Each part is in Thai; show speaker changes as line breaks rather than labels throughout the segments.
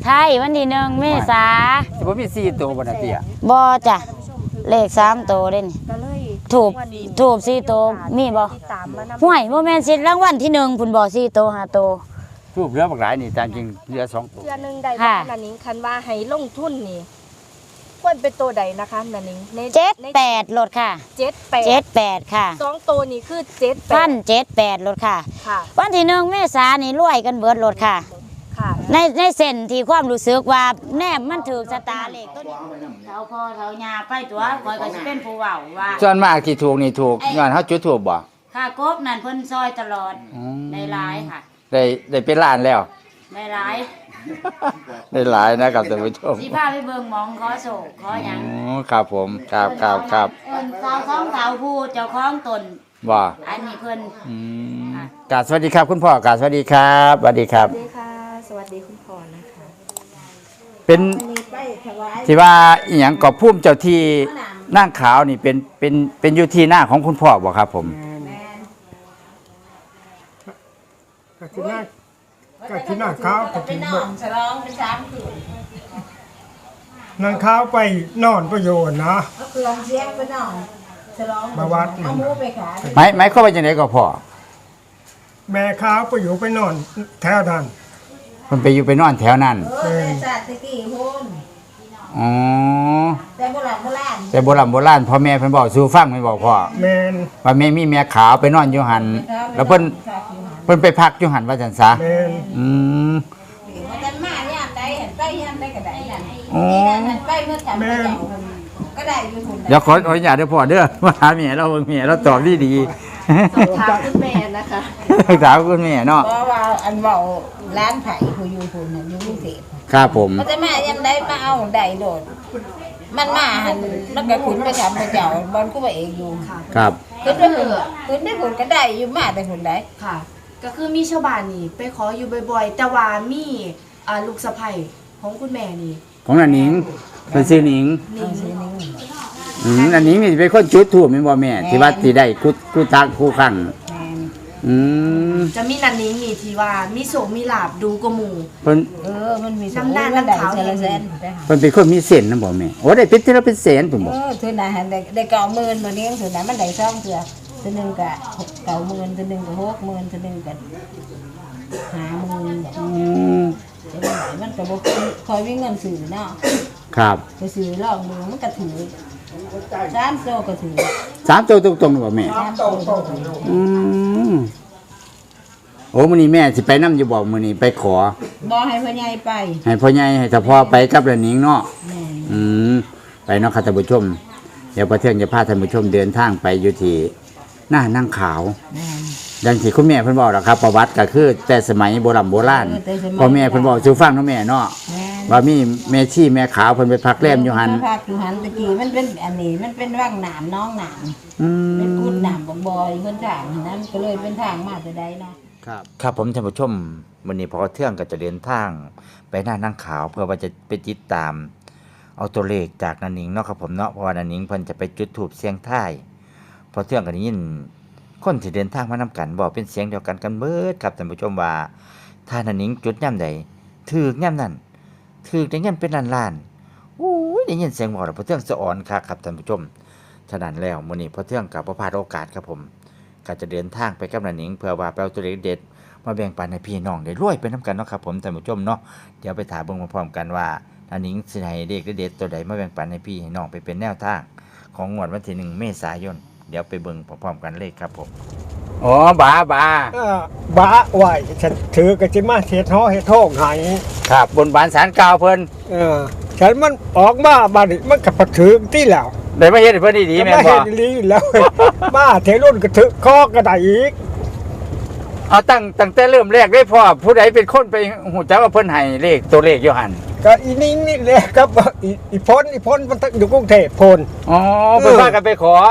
ไทยวันที่1 เมษา
สิบ่มี4ตัวบ่น่ะเตี้ย
บ่จ้ะเลข3ตัวเด้นี่ถูก4ตัวมีบ่ห่วยบ่แม่นสิรางวัลที่1พุ่นบ่4ตัว5ตัว
รูปเรือบักหลายนี่ตามจริงเรือ2ตัว
เรือนึงได้บ่นั่นนิ้งคันว่าให้ลงทุนนี่ควรเป็นตัวใดนะคะนั่นนิ้ง
78รถค่ะ78ค่ะ
2ตัวนี่คือ
78รถค่ะวันที่1 เมษายนนี่รวยกันเบิดรถค่ะในเส้นที่ความรู้สึกว่าแนบมันถูกสตาร์เลขตัวนี้เท่าพ่อเท่ายาไปตัวคอยก็สิเป็นผู้เว้าว่า
ส่วนมากที่ถูกนี่ถูกย้อนเฮาจุดถูกบ่
ค่ะกบนั่นเพิ่นซอยตลอดได้หลายค่ะ
ได้เป็นล้านแล้ว
ได้หลาย
ได้หลายนะครับท่านผู้ชม
สิพาไปเบิ่งหมองขอโศกขอหยัง
ครับผมครับ
สาวสองสาวผู้เจ้าของตน
บ่
อันนี้เพิ่น
กราบสวัสดีครับคุณพ่อกราบสวัสดีครับสวัสดีครับ
สวัสดีค่ะสวัสดีคุณพ่อนะคะ
เป็นที่ว่าอีหยังก็ภูมิเจ้าที่นางขาวนี่เป็นอยู่ที่หน้าของคุณพ่อบ่ครับผม
ก็ที่นั่งข้าวก็ที่นอนฉลองเป็น3 คืนนั่งข้าวไปนอนประโยชน์นะก็คือเสียงไปนอนฉลองมาวัดเอาหมูไปขาย
ไม่เข้าไปจังได๋ก็พ่อ
แม่ข้าวไปอยู่ไปนอนแถวนั้น
มันไปอยู่ไปนอนแถวนั้น
แต่ศาสตร์ตะกี้พุ่น
อ๋อ
แต่โบราณ
พ่อแม่เพิ่นบอกสู่ฟังแม่นบอกพ่อ
แม่น
ว่าแม่มีแม่ขาวไปนอนอยู่หั่นแล้วเพิ่นไปพักอยู่หั่นว่าจังซะ
แม่น
มันมายามใดเห็นไปยามใดก็ได้นั่น
อ๋อ
ไปเมื่อจำก็ได้อยู่พุ่น
เดี๋ยวขออนุญาตเด้อพ่อเด้อมาหาแม่เราเบิ่งแม่เราตอบดี
ถามคุณแม่นะคะ
ถามคุณแม่เนาะ
เพราะว่าอันเว้าร้านไผผู้อยู่พุ่นน่ะอยู่กรุงเทพ
ครับผม
มันจะมายามใดมาเอาได้โดดมันมาหันมันก็ขึ้นไปถามพระเจ้าบอนก็ว่าเองอยู่
ครับ
ขึ้นได้ผลก็ได้อยู่มาแต่ผลได้
ค่ะก็คือมีชาวบ้านนี่ไปขออยู่บ่อยๆแต่ว่ามีลูกสะใภ้ของคุณแม่นี่
ของอันนิงเป็นชื่อนิงอันนิงนี่เป็นคนจุดธูปแม่นบ่แม่ที่ว่าสิได้คู่ตักคู่ครั้ง
จะมีนันนิ้งนี่ที่ว่ามีโสมีลาบดูกว่าหมู่
เพิ่น
มันมี
น้ำหน้าน้ำขาวนี่
เพิ่นเป็นคนมีเส้นนำบ่แม่โอ้ได้เป็นทีละเป็นแสนพุ่นบ่
เทื่อน่ะได้90,000บ่นี้เทื่อน่ะมันได้2เทื่อเทื่อนึงก็90,000เทื่อนึงก็60,000เทื่อนึงก็50,000แต่ว่ามันก็บ่คอยมีเงินซื้อเนาะ
ครับ
ไปซื้อลองดูมันก็ถือ3โตก็ถือ
3โตตรงๆบ่แม่โอ้มื้อนี้แม่สิไปนำอยู่บ่มื้อนี้ไปขอ
บ่ให้พ่อใหญ่ไป
ให้พ่อใหญ่ให้เฉพาะไปกับละนิงเนาะไปเนาะค่ะท่านผู้ชมเดี๋ยวประเทืองจะพาท่านผู้ชมเดินทางไปอยู่ที่หน้านั่งขาวดังที่คุณแม่เพิ่นบอกแล้วครับประวัติก็คือแต่สมัยโบราณพ่อแม่เพิ่นบอกสู่ฟังเนาะแม่เนาะว่ามีแม่ชีแม่ขาวเพิ่นไปพักแรมอยู่หั่น
พักอยู่หั่นตะกี้มันเป็นอันนี้มันเป็นว่างน้ำน้องน้ำเป็นกุดน้ำบ่อยเพิ่นทางนั้นก็เลยเป็นทางมาแต่ใดเนาะ
ครับผมท่านผู้ชมวันนี้พอเที่ยงก็จะเดินทางไปหน้านั่งขาวเพื่อว่าจะไปติดตามเอาตัวเลขจากนันนิงเนาะครับผมเนาะเพราะว่านันนิงเพิ่นจะไปจุดธูปเสียงทายพอเที่ยงก็ได้ยินคนที่เดินทางมานำกันบอกเป็นเสียงเดียวกันเบิดครับท่านผู้ชมว่าถ้านันนิงจุดย่ำใดถูกย่ำนั้นถูกได้เงินเป็นล้านๆอู้ยได้ยินเสียงบอกแล้วพอเที่ยงสะอ่อนครับท่านผู้ชมฉะนั้นแล้วมื้อนี้พอเที่ยงก็บ่พลาดโอกาสครับผมก็จะเดินทางไปกับนันนิงเพื่อว่าไปเอาตัวเลขเด็ดมาแบ่งปันให้พี่น้องได้รวยไปนำกันเนาะครับผมท่านผู้ชมเนาะเดี๋ยวไปถามเบิ่งพร้อมๆกันว่านันนิงสิให้เลขเด็ดตัวใดมาแบ่งปันให้พี่ให้น้องไปเป็นแนวทางของงวดวันที่1 เมษายนเดี๋ยวไปเบิ่งพร้อมๆกันเลยครับผมอ๋อบา
บาไหวฉันถือกระจิมาเฮ็ดฮ้อเฮ็ดโทงให้
ครับบนบานศาลกล่าวเพิ่น
ฉันมันออกมาบัดนี้มันก็ถือที่แล้ว
ได้มาเฮ็ดให้เพิ่นดีๆแม่นบ่
เฮ็ดดีแล้วมาเทรุ่นก็ถือคอก็ได้อีก
เอาตั้งแต่เริ่มแรกได้พ่อผู้ใดเป็นคนไปหูจักว่าเพิ่นให้เลขตัวเลขอยู่หั่น
ก็อีนิ่งนี่แหละครับอีพ้นมันอยู่กรุงเทพพน
อ๋อเพิ่นพากันไปขอ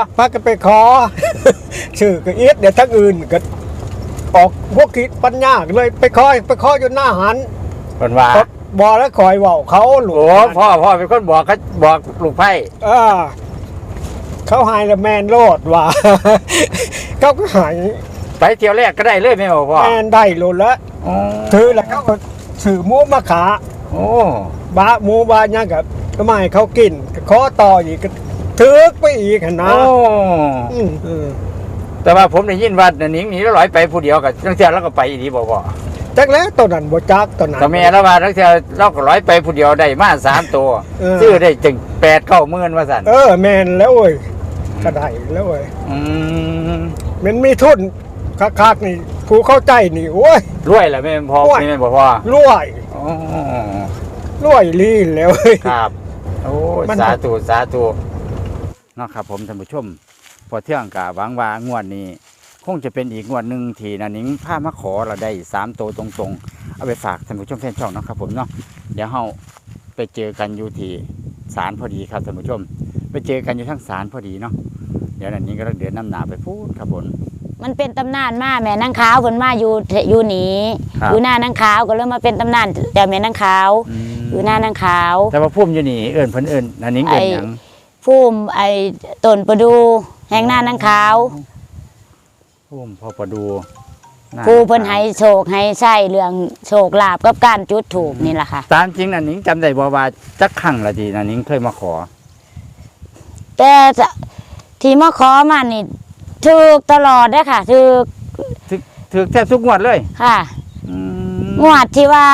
ชื่อก็อีดเดี๋ยวทั้งอื่นก็ออกพวกคิดปัญญาเลยไปคอยอยู่หน้าหัน
เพิ่นว่า
บ่แล้วคอยเว้าเขาหลวง
พ่อเป็นคนบอกเขาบอกลูกไผ่
เขาหายแล้วแมนโลดว่าเขาก็หาย
ไปเที่ยวแรกก็ได้เลยแม่บอกพ่อ
แมนได้โลดแล้วถือแล้วเขาก็ถือหมูมาขา
โอ้
บะหมูบะหยังกับก็ไม่ให้เขากินก็ขอต่ออีกก็ถึกไปอีกหั่นนะ
โอ้
อืม
แต่ว่าผมได้ยินว่านันนิงหนีแล้วลอยไปผู้เดียวกับตั้งแต่แล้วก็ไปอีดีบ่พ่อ
จักแล้วตัวนั้นบ่จักตัวนั้น
แต่แม่แล้วว่าตั้งแต่เราก็ลอยไปผู้เดียวได้มา3 ตัว
เออ
ซื้อได้จึง8-9หมื่นว่าสั่น
แม่นแล้วเว้ยก็ได้แล้วเว้ย
อืม
มันมีทุนคักๆนี่ผู้เข้าใจนี่โอ้ย
รวยแหละแม่นพอ
รวย
แม่นบ่พ่อ
รวย
อ๋อ
รวยลีนแล้วเว้ย
ครับโอ้ย
มัน
สาธุสาธุเนาะครับผมท่านผู้ชม พอเที่ยงกะหวังว่างวดนี้ คงจะเป็นอีกงวดหนึ่งที่นันนิงพามาขอเราได้3 ตัวตรงๆ เอาไปฝากท่านผู้ชมแฟนช่องเนาะครับผมเนาะเดี๋ยวเราไปเจอกันอยู่ที่ศาลพอดีครับท่านผู้ชม ไปเจอกันอยู่ทั้งศาลพอดีเนาะเดี๋ยวนันนิงก็เดินน้ำหนาไปพูดครับผม
มันเป็นตำนานมาแม่นางขาวเพิ่นมาอยู่หนี
ครับ
อยู่หน้านางขาวก็เลยมาเป็นตำนานแต่แม่นางขาว อยู่หน้านางขาว
แต่ว่าพุ่มอยู่นี่เอิญเพิ่นเอิญนันนิงเอิญหยัง
ภูมิต้นประดูแห่งหน้านางขาว
พุ่มพอประดูหา
ผู้เพิ่นให้โชคให้ใช้เรื่องโชคลาภกับการจุดถูกนี่แหละค่ะ
ตามจริงนันนิงจำได้บ่ว่าจักครั้งละทีนันนิงเคยมาขอ
แต่ที่มาขอมานี่ถูกตลอดเด้อค่ะถูก
ถือแทบทุกงวดเลย
ค่ะ
อืม
งวดที่ว่า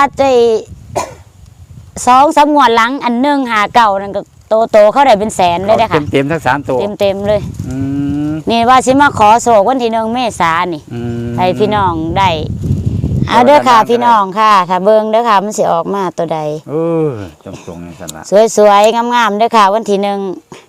2-3งวดหลังอันหนึงหาเก่านั่นก็โตเขาได้เป็นแสนเลยเด้อค่ะ
เต็มๆทั้ง3 ตัว
เต็มเลย
อืม
นี่ว่าสิมาขอโศกวันที่1 เมษายนนี่
อืม
ให้พี่น้องได้เอาเด้อค่ะพี่น้องค่ะถ้าเบิ่งเด้อค่ะมันสิออกมาตัวใด
เออตรงๆนี่สั่นละ
สวยๆงามๆเด้อค่ะวันที่1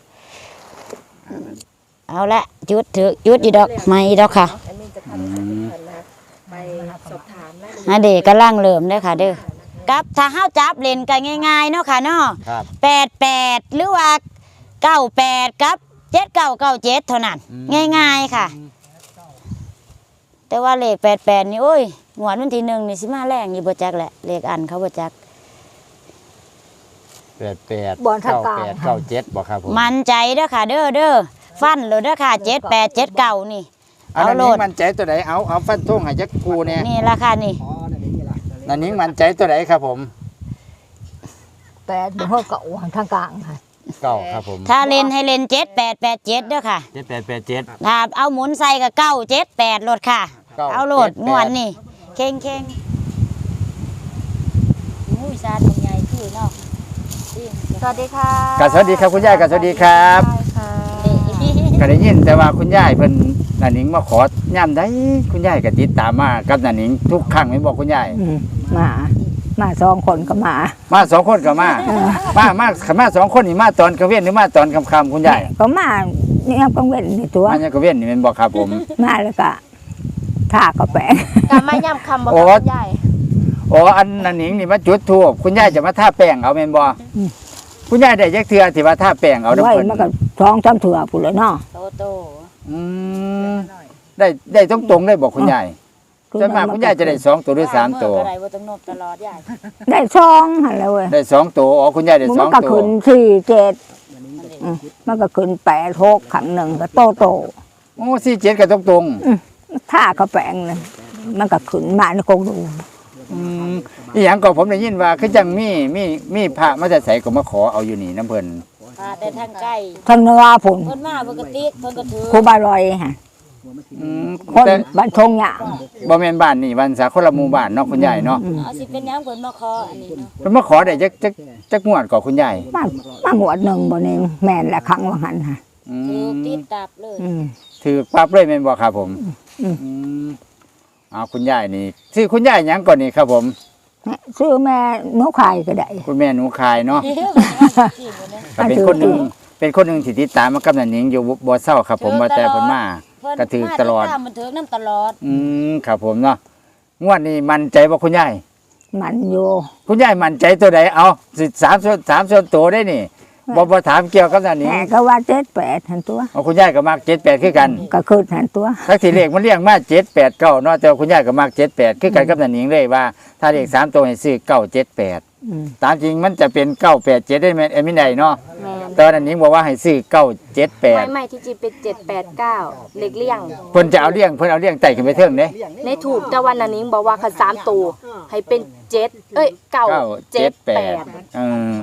เอาละจุดถือจุดอีดอกไม้อีดอกค่ะ
อันนี้จะพาไปสักนิดนึงนะคะไปสอบถามรายละเอียด
อันเด็กกำลังเริ่มเด้อค่ะเด้อกับถ้าเฮาจับเล่นกันง่ายๆเนาะค่ะเนาะ
ครับ
88หรือว่า98กับ7997เท่านั้น ง่ายๆค่ะ แต่ว่าเลข88นี่โอ้ยงวดวันที่1นี่สิมาแรงอยู่บ่จักแหละเลขอันเขาบ่จัก
88
บ่อนทางการ
98 97บ่ครับผม
มั่นใจเด้อค่ะเด้อฟันเลยเด้อค่ะ7879นี่
อัน
เอา
นั้น
โล
นิ้
ด
งมั่นใจตัวไหนเอาฟันธงให้จักกูเนี่ย
นี่ราคานี่
นั่นนิ้งมั่นใจตัวไหนครับผม
8บ่ฮอดก็วางทางกลางค่ะ
เก้าครับผม
ถ้าเล่นให้เล่น7887เด้อค่ะ
7887
ถ้าเอาหมุนใส่ก็978โลดค่ะ เอาโลดงวนนี่เข่งอุ้ยซาดตรงใหญ่คือเนาะ
สวัสดีค่ะ
ก็สวัสดีครับคุณยายก็สวัสดีครับ
ค่ะ
ก็ได้ยินแต่ว่าคุณยายเพิ่นนันนิงมาขอย่ำได้คุณยายก็ติดตามมากับนันนิงทุกครั้งแม่นบอกคุณยาย
มา2คนก็มา
มา2 คนก็มามา2 คนนี่มาตอนกลางเว้นหรือมาตอนค่ำๆคุณยาย
ก็มานี่ครับกังเว้นนี่ตัว
มายังกลางเว้นนี่แม่นบอกครับผม
มาแล้วก็ท่ากาแฟ
กลับมาย้ำคำบอก
โอ้
กับคุณยาย
อ๋ออันนันนิงนี่มาจุดธูปคุณยายจะมาทาแป้งเอาแม่นบ่คุณยายได้จักเทื่อที่ว่าทาแป้งเอาเด้อ
ไว้
เพิ่น
มันก็2-3เถื่อพุ่นเลยเนาะ
โต
อืมได้ตรงๆได้บอกคุณยายส่วนมากคุณยายจะได้2 ตัวหรือ3 ตัว
อะไรบ่ต้องนบตลอดยาย
ได้2หั่นแหล้วเว้ย
ได้2 ตัวอ๋อคุณยายได้
มัน
2
ก็
ตัว
ขึ้น4 7มันก็ขึ้น8 6ขังหนึ่งก็โต
โอ้47ก็ตรง
ท่ากาแฟเลยมันก็ขึ้นมาในกงดู
ๆอีหยังก็ผมได้ยินว่าคือจังมีพระมาแต่ไสก็มาขอเอาอยู่นี่น้ำเพิ่น
พาแต่ทางใกล้
ทางนราพุ่น
เพิ่นมาปกติเพิ่นก็ถือ
ครูบาลอยฮะ คน
แต่
บ้านชงหยาง
บ่แม่นบ้านนี่บ้านสาคนละหมู่บ้านเนาะคุณยายเนาะ
เอาสิเป็นหยังเพิ่นมาขออันนี้เนาะ
เพิ่นมาขอได้จักงวดก่อคุณยาย
มาหวดหนึ่งบ่เองแม่นละครั้งว่าหันฮะ
อื
ถือ
ม
ติดตับเลย
ถือปั๊บเลยแม่นบ่ครับผม
อืม
อืมเอาคุณยายนี่ชื่อคุณยายหยังก่อนนี่ครับผม
ซื้อแม่นกไข่ก็ได้
คุณแม่หนูคายเนาะ
เดี๋ยวมันสิบ่ได้
ก็เป็นคนหนึงที่ติดตามมากับนันหนิงอยู่บ่เศร้าครับผมว่าแต่เพิ่นมา
เพิ่น
ก็ถือตลอด
มามันถือน้ำตลอด
ครับผมเนาะงวดนี้มั่นใจบ่คุณยาย
มันอยู่
คุณยายมั่นใจตัวใดเอาสิ3 ส่วนตัวได้นี่บ่ถามเกี่ยวกับนันหนิง
แม่ก็ว่า7-8หันตัว
เอาคุณยายก็มัก78คือกัน
ก็คือหันตัว
ทักสิเลขมันเรียงมา7 8 9เนาะแต่ว่าคุณยายก็มัก78คือกันกับนันหนิงเลยว่า ถ้าเลข3ตัวให้ซื้อ978ตามจริงมันจะเป็น987ได้แม่นเอ็มไม่ได้เนาะ
แม่น
ตอนนั้นนิ้งบอกว่าให้ซื้อ978
ไม่ที่จริงเป็น789เลขเลี่ยง
เพิ่นจะเอาเลี้ยงเพิ่นเอาเลี้ยงไต่ขึ้นไปเทิงเด้
ในถูกแต่วันนั้นนิ้งบอกว่าคัน3ตัวให้เป็น7 9 7 8